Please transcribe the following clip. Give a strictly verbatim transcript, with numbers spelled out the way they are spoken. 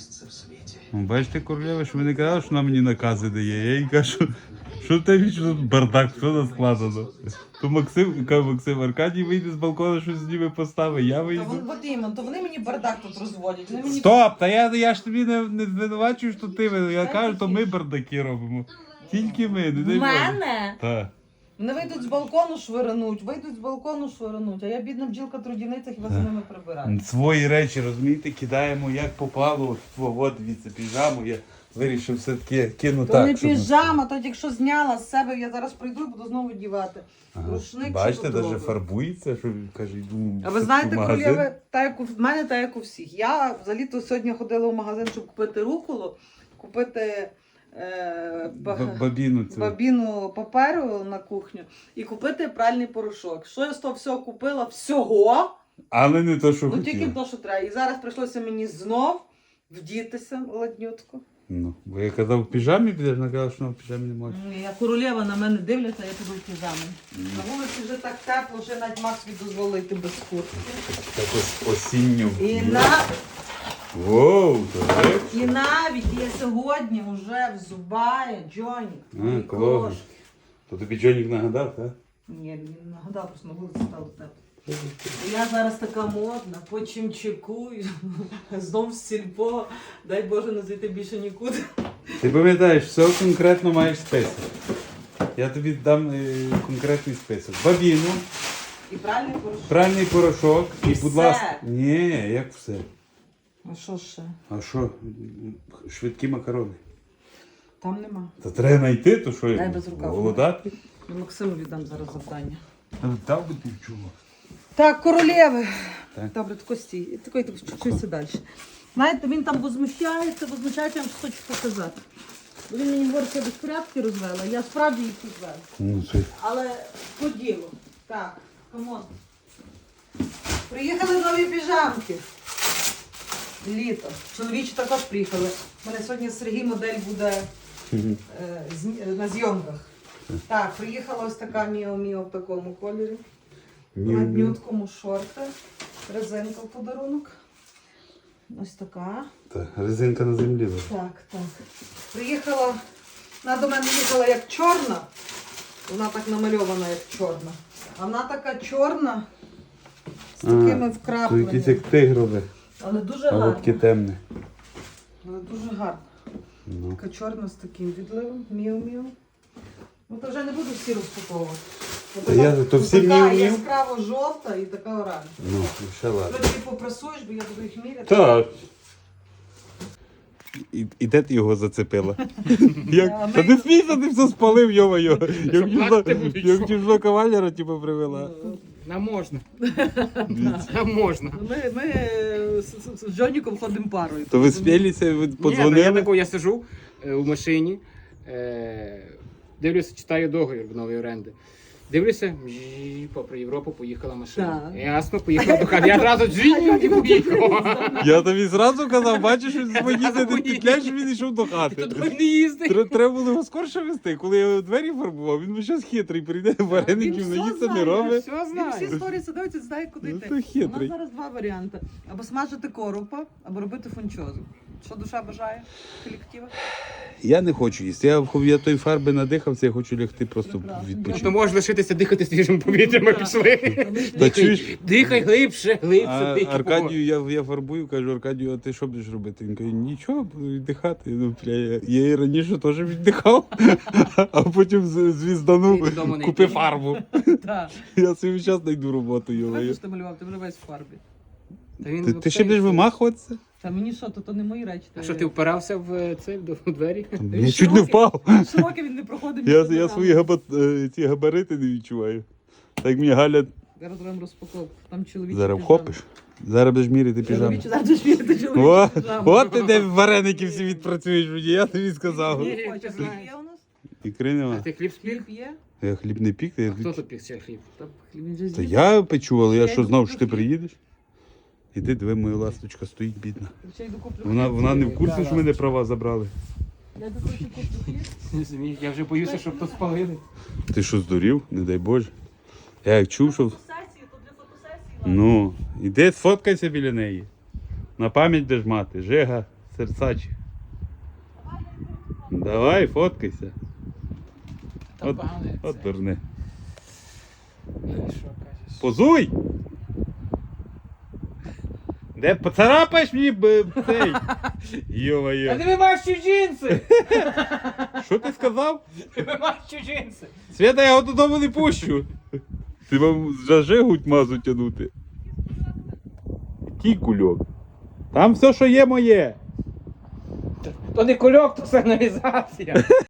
місце в світі. Бачите, королева, що ви не казали, що вона мені накази дає. Я їй кажу, що в тебе що тут бардак, що нас складено. То Максим, каже Максим, Аркадій вийде з балкона, щось зніме постави, я То, вийду. вон- от іменно, то вони мені бардак тут розводять. Вони мені... Стоп! Та я, я ж тобі не, не звинувачую, що ти винен. Я кажу, то ми бардаки робимо. Тільки ми, не дай В Боже. мене? Так. Вони вийдуть з балкону швирнуть, вийдуть з балкону швирнуть, а я бідна бджілка трудівниця, хіба за ними прибираю. Свої речі, розумієте, кидаємо як попало. От, от дивіться, піжаму. Я вирішив все-таки кину То так. не щоб- піжама, то якщо зняла з себе, я зараз прийду і буду знову дівати. Ага. Рушник, Бачите, що тут навіть робить? фарбується, що каже, йду А ви в знаєте, магазин. королєви, та як у в мене, та як у всіх. Я взагалі-то сьогодні ходила в магазин, щоб купити руколу, купити е, ба- Б- Бабіну цю. бабіну паперу на кухню і купити пральний порошок. Що я з того всього купила? Всього. Але не то, що Ну хотів. тільки то, що треба. І зараз прийшлося мені знов вдітися ладнютко. Ну, бо я казав, в піжамі підеш, вона казала, що вона в піжамі не може. Я королева на мене дивляться, я піду в піжамі. На вулиці вже так тепло, вже навіть Макс собі дозволить йти без куртки. Так ось осінню. І, на... Воу, то речі. І навіть я сьогодні вже взубаю Джонік. А, мої клас. крошки. То тобі Джонік нагадав, так? Ні, він нагадав, просто на вулиці стало тепло. І я зараз така модна, по чимчикую, знов в сільпо, дай Боже не зайти більше нікуди. Ти пам'ятаєш, все конкретно маєш список. Я тобі дам е, конкретний список. Бабіну, І правильний порошок. пральний порошок і, І будь все. ласка. Ні, як все. А що ще? А що? Швидкі макарони. Там нема. Та треба знайти, то що Дай я без рукаву. голодати. Я Максиму віддам зараз завдання. Дав би ти чого? Так, королеви. Так. Добре, тако стій. Такий чуть-чуть далі. Знаєте, він там возмущається, возмущається, я вам щось хочу показати. Бо він мені говорить, що я безпорядки розвела, я справді їх розвела. Ну, це... Але по ділу. Так, камон. Приїхали нові піжамки. Літо. Чоловічі також приїхали. У мене сьогодні Сергій модель буде е, зні- на зйомках. Так, приїхала ось така Міо-Міо в такому кольорі. На днюткому шорти. Резинка в подарунок. Ось така. Та, резинка на землі. лежить. Так, так. Приїхала, вона до мене їхала як чорна. Вона так намальована, як чорна. А вона така чорна з такими То якийсь вкрапленнями. як тигрове, Але дуже а гарна. таке темне. Але дуже гарна. Ну. Така чорна з таким відливом. Міу-міу. Ну то вже не буду всі розпаковувати. От Та така- я- то всі така міу-міу? яскраво жовта і така оранжева. Ну, ще ладно. Ти попрасуєш, бо я буду їх міряти. Так. І, і де ти його зацепила? Як? Та не смійся, ти все спалив, йо-моє. Як плакати будеш, як що? чужого кавалера типу, привела. Нам можна. Нам можна. Ми, ми е, з, з, з Джоніком ходимо парою. То ви спілися, ви Ні, та я подзвонили? тако, я сижу е, у машині, е, дивлюся, читаю договір в нової оренди. Дивлюся, жі, попри Європу поїхала машина. Так. Ясно, поїхала до хати. Я одразу джинь і поїхав. Я тобі зразу казав, бачиш, що Я звонити не забув. петляєш, він йшов до хати. Ти туди не їздить. Тре- Треба було його скорше вести. Коли я його двері фарбував, він зараз хитрий, прийде вареників, Він все наїсться, не знає, робить. Все Він всі знаю. сторіси дивиться, знає, куди Ну, йти. то У хитрий. нас зараз два варіанти. Або смажити коропа, або робити фунчозу. Що душа бажає колектива? Я не хочу їсти. Я, я той фарби надихався, я хочу лягти просто Прекрасно. відпочити. То можеш лишитися дихати свіжим повітрям, ми пішли. Та чуєш? Дихай глибше, глибше, А дихай. Аркадію, я, я фарбую, кажу, Аркадію, а ти що будеш робити? Він каже, нічого, буду віддихати. Ну, бля, я, я і раніше теж віддихав, а потім з- звізданув, Ти додому не купив йди. фарбу. Так. Я собі зараз знайду роботу, його. Бачиш, ти малював, ти вже весь в фарбі. Та він Ти, ти ще взагалі- будеш вимахуватися? Та мені що, то, то не мої речі. А що, ти впирався в цей до в двері? Я чуть не впав. Широкі він не проходив. Я, між я ногами. свої габа, е, ці габарити не відчуваю. Так мені Галя, Зараз зробимо розпаковку. Там чоловічі зараз піжами. вхопиш. Зараз будеш міряти піжаму. Чоловічі, зараз будеш міряти чоловічі О, піжами. от ти де вареники всі відпрацюєш мені, я тобі сказав. Ні. Хочеш, хліб є у нас? Ікри А нема. ти хліб спік? Хліб є? Я хліб не пік, я... Хто тут пік ще хліб? Та хліб він же Та з'їв. я печу, але я Я що йду знав, що ти куплю хліб. приїдеш? Іди, диви, моя ласточка стоїть, бідна. Я йду куплю Вона, хліб. вона не в курсі, що мене права забрали. Я йду куплю хліб. Розумієш, я вже боюся, щоб то спалили. Ти що, здурів? Не дай Боже. Я як чув, що... Фотосесії, то для фотосесії. Ну, іди сфоткайся біля неї. На пам'ять будеш мати. Жига, Серсачі. Давай, фоткайся. Там От, погано. от дурне. Що кажеш? Позуй! Де поцарапаєш мені б, цей? А Йо-моє. ти маєш чужинці! Що ти сказав? Ти маєш чужинці! Свята, я його додому не пущу. Ти вам зажигуть мазу тянути. Який кульок? Там все, що є моє. То не кульок, то сигналізація.